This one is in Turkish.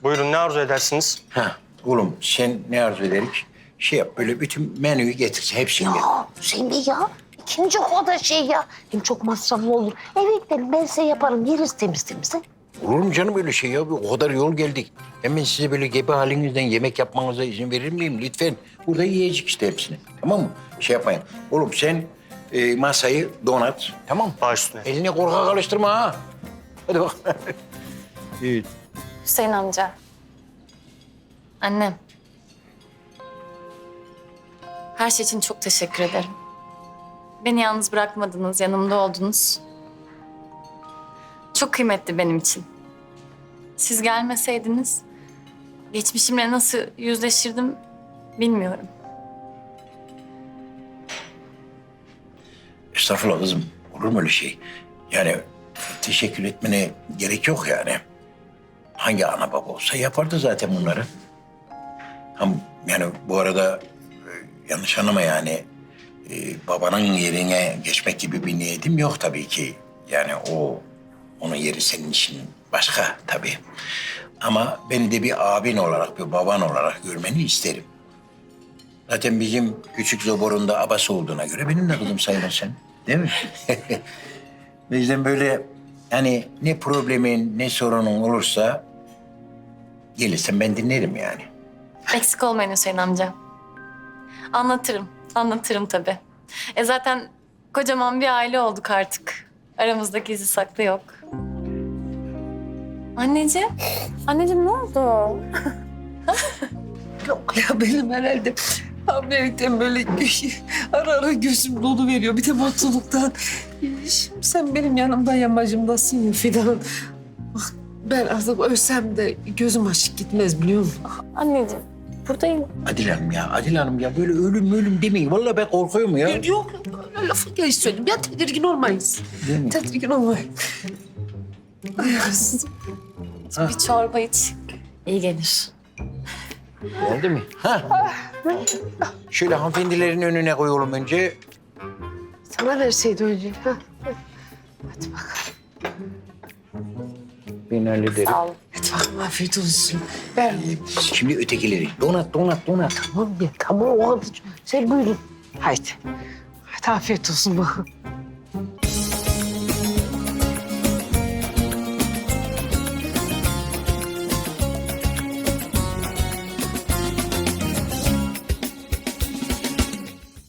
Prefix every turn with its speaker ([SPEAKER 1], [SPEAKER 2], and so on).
[SPEAKER 1] Buyurun, ne arzu edersiniz?
[SPEAKER 2] Ha, oğlum sen ne arzu ederik? Şey yap, böyle bütün menüyü getir, hepsini getir.
[SPEAKER 3] Aa, Hüseyin Bey ya. İkinci o da şey ya. Hem çok masraflı olur. Eve gidelim ben size yaparım. Yeriz temiz temiz. Ha?
[SPEAKER 2] Olur mu canım öyle şey ya? O kadar yol geldik. Hemen size böyle gebe halinizden yemek yapmanıza izin verir miyim? Lütfen. Burada yiyecek işte hepsini. Tamam mı? Şey yapmayın. Oğlum sen masayı donat. Tamam mı?
[SPEAKER 1] Baş üstüne.
[SPEAKER 2] Eline korkak alıştırma ha. Hadi bak. Evet.
[SPEAKER 4] Hüseyin amca. Annem. Her şey için çok teşekkür ederim. Beni yalnız bırakmadınız, yanımda oldunuz. Çok kıymetli benim için. Siz gelmeseydiniz geçmişimle nasıl yüzleşirdim bilmiyorum.
[SPEAKER 2] Estağfurullah kızım. Olur mu öyle şey? Yani teşekkür etmene gerek yok yani. Hangi ana baba olsa yapardı zaten bunları. Yani bu arada yanlış anlama yani. Babanın yerine geçmek gibi bir niyetim yok tabii ki. Yani onun yeri senin için başka tabii. Ama beni de bir abin olarak, bir baban olarak görmeni isterim. Zaten bizim küçük Zobor'un da abası olduğuna göre benim de kızım sayılırsın. Değil mi? O yüzden böyle hani ne problemin ne sorunun olursa gelirsen ben dinlerim yani.
[SPEAKER 4] Eksik olmayın Hüseyin amca. Anlatırım tabii. Zaten kocaman bir aile olduk artık. Aramızda gizli saklı yok. Anneciğim ne oldu?
[SPEAKER 5] Yok ya benim herhalde hamilelikten böyle ara ara gözüm dolu veriyor. Bir de mutluluktan. Şimdi sen benim yanımda yamacımdasın ya Fidan. Bak ben artık ölsem de gözüm açık gitmez biliyor musun?
[SPEAKER 4] Anneciğim buradayım.
[SPEAKER 2] Adil Hanım ya böyle ölüm demeyin. Vallahi ben korkuyorum ya.
[SPEAKER 5] Yok öyle lafı geç söyledim. Ya tedirgin olmayız.
[SPEAKER 2] Değil mi?
[SPEAKER 5] Tedirgin olmayın. Ay kızım.
[SPEAKER 4] Bir çorba iç. İyi gelir.
[SPEAKER 2] Oldu mu? Ha. Şöyle hanımefendilerin önüne koyalım önce.
[SPEAKER 5] Sana verseydi önce. Ha. Hadi bakalım.
[SPEAKER 2] Ben hallederim.
[SPEAKER 4] Sağ olun.
[SPEAKER 5] Hadi bakalım afiyet olsun. Ver.
[SPEAKER 2] Şimdi ötekileri. Donat.
[SPEAKER 5] Tamam ya tamam o kadar. Sen buyurun. Haydi. Hadi afiyet olsun bakın.